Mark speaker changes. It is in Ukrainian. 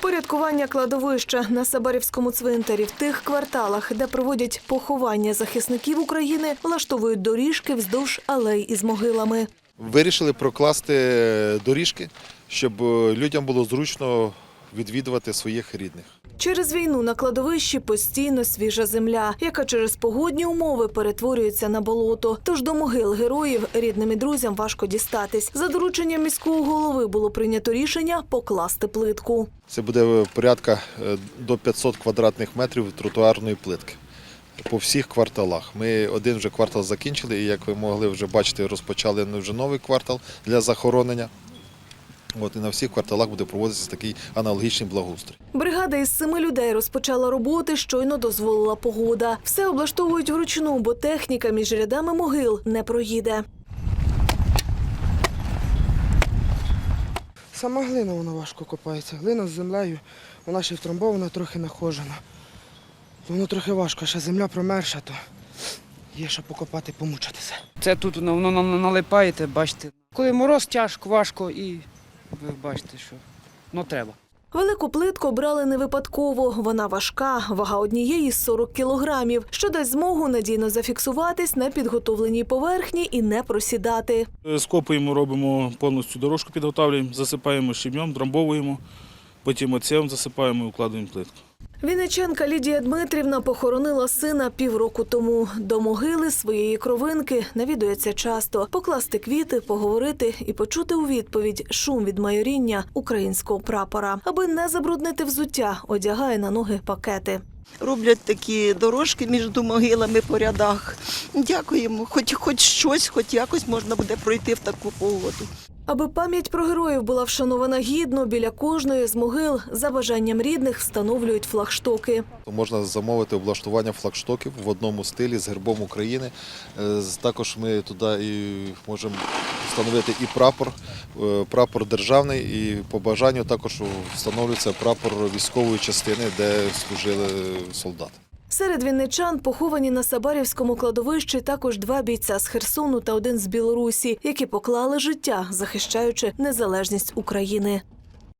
Speaker 1: Порядкування кладовища на Сабарівському цвинтарі в тих кварталах, де проводять поховання захисників України, влаштовують доріжки вздовж алей із могилами.
Speaker 2: Вирішили прокласти доріжки, щоб людям було зручно відвідувати своїх рідних.
Speaker 1: Через війну на кладовищі постійно свіжа земля, яка через погодні умови перетворюється на болото. Тож до могил героїв рідним і друзям важко дістатись. За дорученням міського голови було прийнято рішення покласти плитку.
Speaker 2: Це буде порядка до 500 квадратних метрів тротуарної плитки по всіх кварталах. Ми один вже квартал закінчили і, як ви могли вже бачити, розпочали вже новий квартал для захоронення. І на всіх кварталах буде проводитися такий аналогічний благоустрій.
Speaker 1: Бригада із 7 людей розпочала роботи, щойно дозволила погода. Все облаштовують вручну, бо техніка між рядами могил не проїде.
Speaker 3: Сама глина, вона важко копається. Глина з землею, вона ще втрамбована, трохи нахожена. Воно трохи важко, ще земля промерша, то є що покопати, помучитися.
Speaker 4: Це тут воно налипаєте, бачите. Коли мороз тяжко, важко і ви бачите, що треба.
Speaker 1: Велику плитку брали не випадково. Вона важка, вага однієї – 40 кілограмів, що дасть змогу надійно зафіксуватись на підготовленій поверхні і не просідати.
Speaker 5: Скопуємо, робимо повністю дорожку, підготовлюємо, засипаємо щебнем, трамбовуємо, потім оцем засипаємо і укладаємо плитку.
Speaker 1: Вінничанка Лідія Дмитрівна похоронила сина півроку тому. До могили своєї кровинки навідується часто. Покласти квіти, поговорити і почути у відповідь шум від майоріння українського прапора. Аби не забруднити взуття, одягає на ноги пакети.
Speaker 6: Роблять такі дорожки між могилами по рядах. Дякуємо. Хоч щось, хоч якось можна буде пройти в таку погоду.
Speaker 1: Аби пам'ять про героїв була вшанована гідно, біля кожної з могил за бажанням рідних встановлюють флагштоки.
Speaker 2: Можна замовити облаштування флагштоків в одному стилі з гербом України. Також ми туди і можемо встановити і прапор державний, і по бажанню також встановлюється прапор військової частини, де служили солдати.
Speaker 1: Серед вінничан поховані на Сабарівському кладовищі також 2 бійця з Херсону та 1 з Білорусі, які поклали життя, захищаючи незалежність України.